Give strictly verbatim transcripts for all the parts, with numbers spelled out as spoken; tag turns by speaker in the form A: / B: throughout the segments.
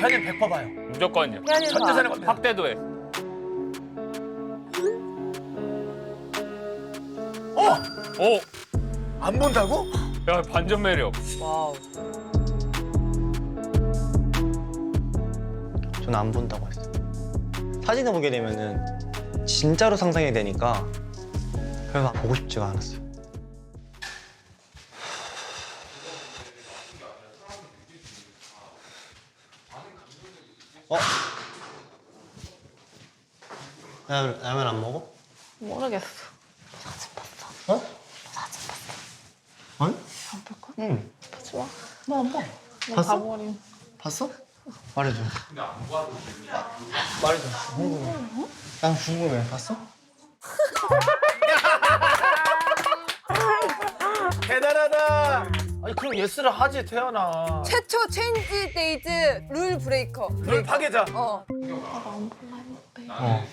A: 태연이는 백 퍼센트 봐요.
B: 무조건요.
C: 태연이는
A: 전
C: 봐.
A: 재산을 겁니다.
B: 확대도 해.
A: 어?
B: 오!
A: 안 본다고?
B: 야, 반전 매력.
C: 와우.
D: 저는 안 본다고 했어요. 사진을 보게 되면은 진짜로 상상이 되니까 그래서 보고 싶지가 않았어요. 어? 라면, 라면 안 먹어?
E: 모르겠어. 사진 봤어?
D: 어?
E: 사진 봤어?
D: 아니?
E: 안 볼 거야?
D: 응.
E: 보지 마.
D: 너 안 봐.
E: 너
D: 봤어?
E: 가버림.
D: 봤어? 말해줘. 근데 안 봐도 말해줘. 궁금해. 난 궁금해. 봤어?
A: 대단하다. 아니 그럼 예스를 하지 태연아.
C: 최초 체인지 데이즈 룰 브레이커.
A: 룰 파괴자.
C: 어.
E: 나안 볼라 했는데.
D: 어.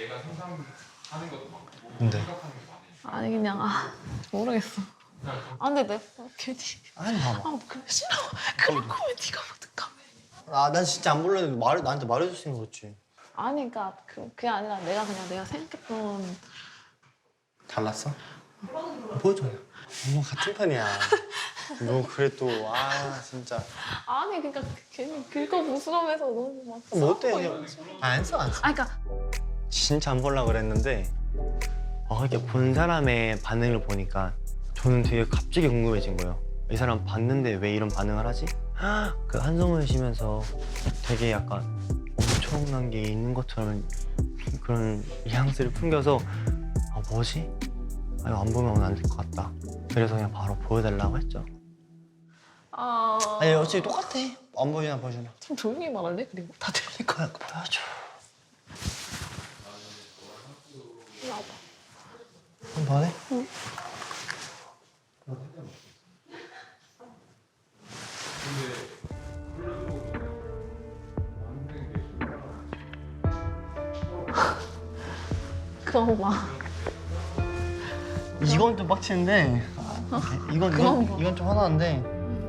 D: 근데?
E: 아니 그냥 아 모르겠어. 아 근데 내가 괜히
D: 아니 봐봐.
E: 아 그래 싫어. 그럴 거면 네가 어떡하면.
D: 아, 난 진짜 안 볼랬는데 말, 나한테 말해줬으니까 그렇지.
E: 아니 그러니까 그, 그게 아니라 내가 그냥 내가 생각했던
D: 잘났어? 보여줘. 뭐 같은 편이야. 너 그래 또, 아 진짜.
E: 아니 그러니까 괜히 긁어 부스럼해서 너무 막
D: 뭐 어때?
E: 싸우고
D: 그냥
E: 이러지.
D: 안 써, 안 써.
E: 아니 그러니까
D: 진짜 안 보려고 그랬는데 어, 이렇게 본 사람의 반응을 보니까 저는 되게 갑자기 궁금해진 거예요. 이 사람 봤는데 왜 이런 반응을 하지? 그 한숨을 쉬면서 되게 약간 엄청난 게 있는 것처럼 그런 뉘앙스를 풍겨서 아 뭐지? 아, 이거 안 보면 안 될 것 같다. 그래서 그냥 바로 보여달라고 했죠.
E: 아.
D: 아니 어차피 똑같아. 안 보여주나 보여주나.
E: 좀 조용히 말할래? 그리고 다 들릴 거야.
D: 그냥 보여줘.
E: 나봐.
D: 한 번에?
E: 응. 그만 봐.
D: 이건 좀 빡치는데 이건
E: 그만
D: 이건,
E: 봐.
D: 이건 좀 화나는데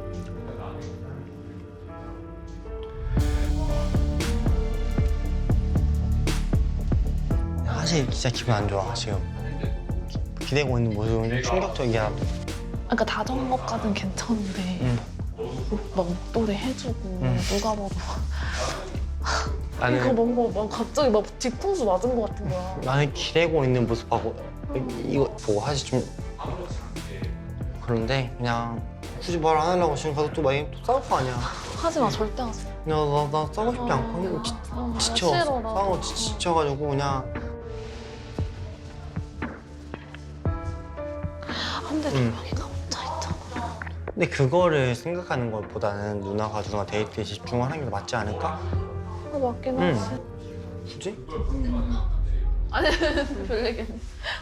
D: 사실 진짜 기분 안 좋아 지금. 기- 기대고 있는 모습은 좀 충격적이야.
E: 그러니까 다정한 것까진 괜찮은데
D: 응.
E: 막 목도리 해주고
D: 응.
E: 누가 봐도 이거
D: 나는
E: 뭔가 막 갑자기 막 뒤통수 맞은 것 같은 거야.
D: 나는 기대고 있는 모습하고 이- 이거 보고 사실 좀 그런데 그냥 굳이 말 안 하려고 지금 가서 또 많이 또 싸울 거 아니야.
E: 하지 마, 절대 하지 마.
D: 그냥 나, 나 싸우고 싶지 않고 그냥 지,
E: 아,
D: 지쳐.
E: 싫어, 나.
D: 싸우고 지, 지쳐가지고 그냥
E: 근데
D: 응.
E: 조명이가 혼자 있잖아.
D: 근데 그거를 생각하는 것보다는 누나가 누나 데이트에 집중을 하는 게 맞지 않을까?
E: 아, 맞긴
D: 응.
E: 하지.
D: 굳이?
E: 아니, 별 얘기는.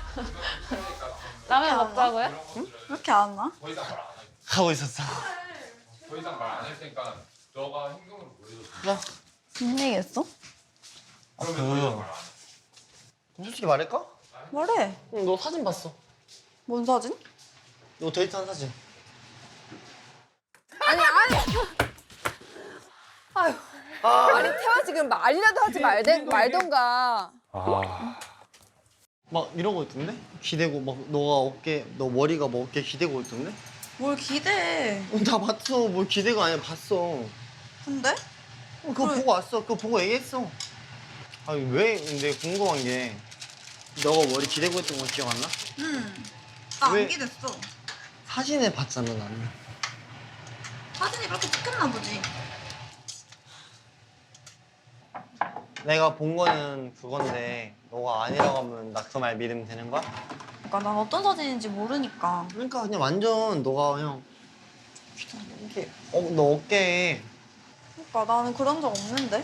E: 라면 먹자고요?
C: 왜 이렇게 안 와?
D: 하고 있었어.
B: 더 이상 말 안 할 테니까 너가 행동으로 보여줘.
D: 야,
C: 무슨 얘기 했어?
D: 아, 그 솔직히 말할까?
C: 뭐래?
D: 응, 너 사진 봤어.
C: 뭔 사진?
D: 너 데이트한 사진.
C: 아니 아니. 아유. 아니 태화 지금 말이라도 하지 말대, 말던가.
B: 아.
D: 막 이러고 있던데? 기대고 막 너가 어깨, 너 머리가 뭐 어깨 기대고 있던데?
C: 뭘 기대해.
D: 어, 나 봤어. 뭘 기대가 아니라 봤어.
C: 근데?
D: 어, 그거 보고 왔어. 그거 보고 얘기했어. 아니 왜? 근데 궁금한 게 너가 머리 기대고 했던 거 기억 안 나?
F: 응. 나
D: 왜?
F: 안 기댔어.
D: 사진을 봤잖아 나는.
F: 사진이 그렇게 찍혔나 보지.
D: 내가 본 거는 그건데 너가 아니라고 하면 나 그 말 믿으면 되는 거야?
F: 그러니까 난 어떤 사진인지 모르니까.
D: 그러니까 그냥 완전 너가 그냥 이렇게 어, 너 어깨에
F: 그러니까 나는 그런 적 없는데.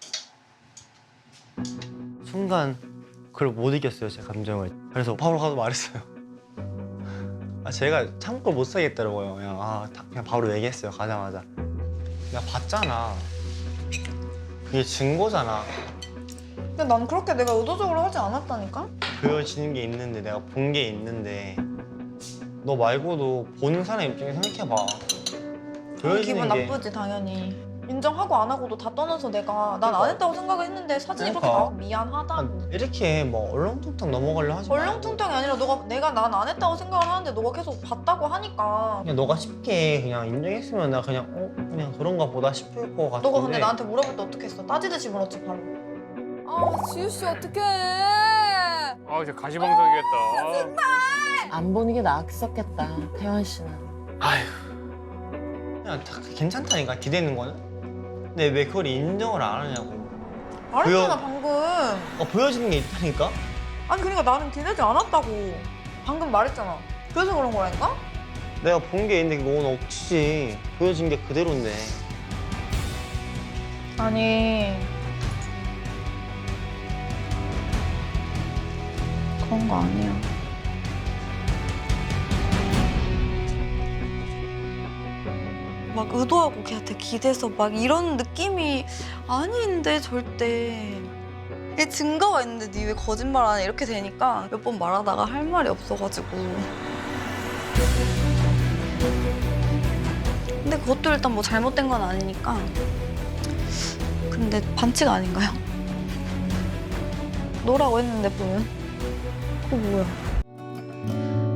D: 순간 그걸 못 이겼어요 제 감정을. 그래서 바로 가서 말했어요. 아 제가 참고 못 살겠더라고요. 그냥 아 다- 그냥 바로 얘기했어요 가자마자. 내가 봤잖아. 그게 증거잖아.
F: 근데 난 그렇게 내가 의도적으로 하지 않았다니까?
D: 보여지는 게 있는데 내가 본 게 있는데 너 말고도 보는 사람 입장에 생각해봐.
F: 기분
D: 보여지는 게
F: 나쁘지 당연히. 인정하고 안 하고도 다 떠나서 내가 난 안 했다고 생각을 했는데 사진이 그렇게
D: 그러니까.
F: 나와서 미안하다고.
D: 이렇게 뭐 얼렁뚱땅 넘어가려 하지 마.
F: 얼렁뚱땅이 아니라 너가 내가 난 안 했다고 생각을 하는데 너가 계속 봤다고 하니까.
D: 그냥 너가 쉽게 그냥 인정했으면 나 그냥 어 그냥 그런가 보다 싶을 것 같은데.
F: 너가 근데 나한테 물어볼 때 어떻게 했어? 따지듯이 물었지 바로.
C: 아 지우 씨 어떡해.
G: 아, 진짜 가시방석이겠다.
H: 안 보는 게 낫겠었겠다, 태환 씨는.
D: 그냥 다 괜찮다니까 기대는 거는. 근데 왜 그걸 인정을 안 하냐고.
F: 말했잖아
D: 보여-
F: 방금.
D: 어 보여지는 게 있다니까.
F: 아니 그러니까 나는 기대지 않았다고. 방금 말했잖아. 그래서 그런 거라니까?
D: 내가 본 게 있는데 그건 억지지. 보여진 게 그대로인데.
F: 아니 그런 거 아니야. 막 의도하고 걔한테 기대서 막 이런 느낌이 아닌데 절대. 이게 증거가 있는데 니 왜 거짓말 안 해? 이렇게 되니까 몇 번 말하다가 할 말이 없어가지고. 근데 그것도 일단 뭐 잘못된 건 아니니까. 근데 반칙 아닌가요? 노라고 했는데 보면 그거 뭐야?